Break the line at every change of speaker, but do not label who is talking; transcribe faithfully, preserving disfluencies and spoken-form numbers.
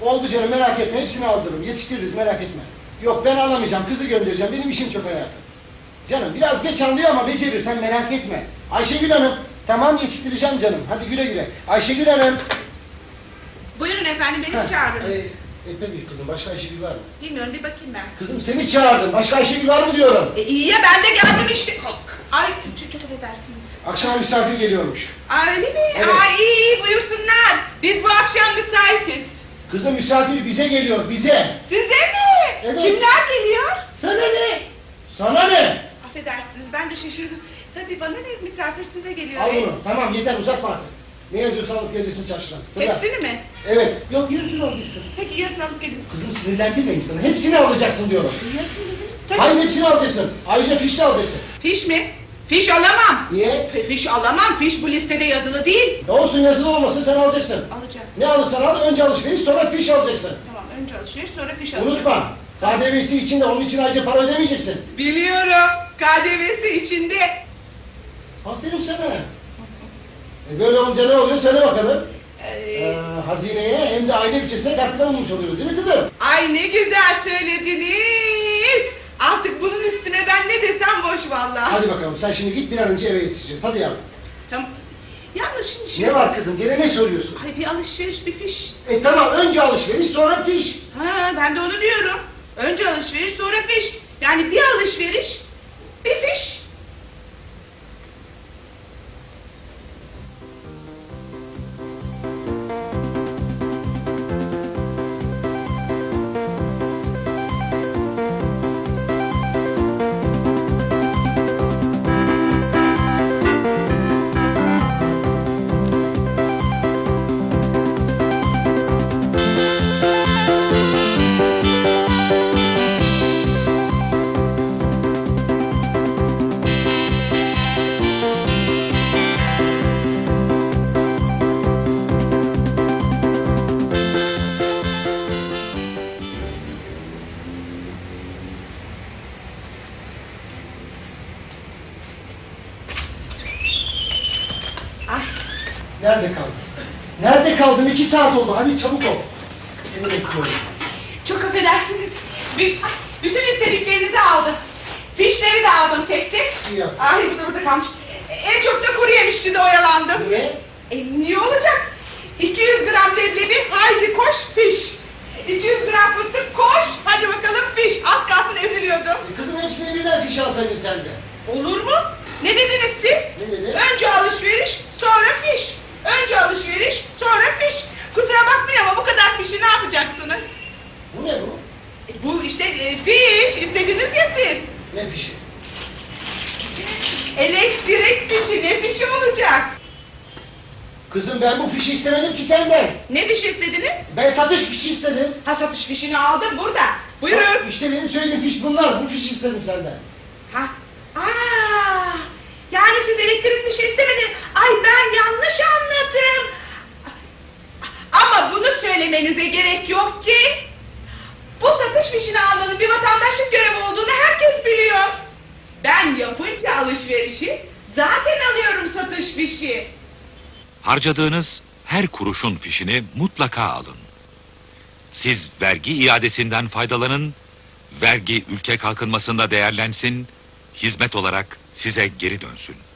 Oldu canım, merak etme, hepsini aldırırım, yetiştiririz, merak etme. Yok, ben alamayacağım, kızı göndereceğim, benim işim çok hayatım. Canım biraz geç anlıyor ama becerir, sen merak etme. Ayşegül Hanım, tamam yetiştireceğim canım, hadi güle güle. Ayşegül Hanım.
Buyurun efendim, beni mi çağırdınız?
E, e tabii kızım, başka Ayşegül var mı?
Bilmiyorum, bir bakayım ben.
Kızım seni çağırdım, başka Ayşegül var mı diyorum.
E, iyi ya, ben de geldim işte. Ay, çok, çok affedersiniz.
Akşam misafir geliyormuş.
Aa, öyle mi?
Evet.
Ay iyi iyi, buyursunlar. Biz bu akşam müsaitiz.
Kızım misafir bize geliyor, bize.
Size mi?
Evet.
Kimler geliyor?
Sana ne? Sana ne?
Affedersiniz, ben de şaşırdım. Tabii bana ne, misafir size geliyor.
Al
E,
bunu, tamam yeter, uzatma artık. Ne yazıyorsa alıp gelirsin çarşıdan. Fırla.
Hepsini mi?
Evet, yok yarısını alacaksın.
Peki yarısını alıp gelin.
Kızım sinirlendirme insanı, hepsini alacaksın diyorum.
Yarısını dediniz. Tabii.
Hayır hepsini alacaksın, ayrıca fiş de alacaksın.
Fiş mi? Fiş alamam.
Niye?
F fiş alamam, fiş bu listede yazılı değil.
Ne olsun yazılı olmasın sen alacaksın.
Alacağım.
Ne alırsan al, önce alışveriş sonra fiş alacaksın.
Tamam, önce alışveriş sonra fiş alacağım.
Unutma, K D V'si için de onun için ayrıca para ödemeyeceksin.
Biliyorum, K D V'si içinde.
Aferin sana. E böyle olunca ne oluyor söyle bakalım.
Ee,
Ee, hazineye hem de aile bütçesine katkıda bulmuş oluyoruz değil mi kızım?
Ay ne güzel söylediniz. Artık bunun üstüne ben ne desem boş vallahi.
Hadi bakalım sen şimdi git bir an önce eve yetişeceğiz. Hadi yavrum.
Tamam. Yalnız şimdi şimdi.
Ne var kızım gene ne söylüyorsun?
Ay bir alışveriş bir fiş.
E tamam önce alışveriş sonra fiş.
Ha ben de onu diyorum. Önce alışveriş sonra fiş. Yani bir alışveriş bir fiş.
Nerede kaldın? Nerede kaldın? İki saat oldu. Hadi çabuk ol. Seni bekliyorum.
Çok affedersiniz. Bir, bütün istediklerinizi aldım. Fişleri de aldım tek tek.
İyi yaptın.
Ay bu da burada kalmış. En çok da kuru yemişçi de oyalandım.
Niye?
E niye olacak? iki yüz gram leblebi, haydi koş fiş. iki yüz gram fıstık koş, hadi bakalım fiş. Az kalsın eziliyordum.
E kızım hepsini birden fiş alsaydın sen de.
Olur mu? Ne dediniz siz?
Ne dedi?
Önce alışveriş, sonra fiş. Önce alışveriş, sonra fiş. Kusura bakmayın ama bu kadar fişi ne yapacaksınız?
Bu ne bu?
E, bu işte e, fiş, istediniz ya siz.
Ne fişi?
Elektrik fişi, ne fişi olacak?
Kızım ben bu fişi istemedim ki senden.
Ne fişi istediniz?
Ben satış fişi istedim.
Ha satış fişini aldım burada. Buyurun.
Bak, İşte benim söylediğim fiş bunlar. Bu fişi istedim senden.
Ha? Aa! Yani siz elektrik fişi istemediniz. Ay ben yanlış anladım. Ama bunu söylemenize gerek yok ki. Bu satış fişini almanın bir vatandaşlık görevi olduğunu herkes biliyor. Ben yapınca alışverişi zaten alıyorum satış fişi.
Harcadığınız her kuruşun fişini mutlaka alın. Siz vergi iadesinden faydalanın, vergi ülke kalkınmasında değerlensin, hizmet olarak size geri dönsün.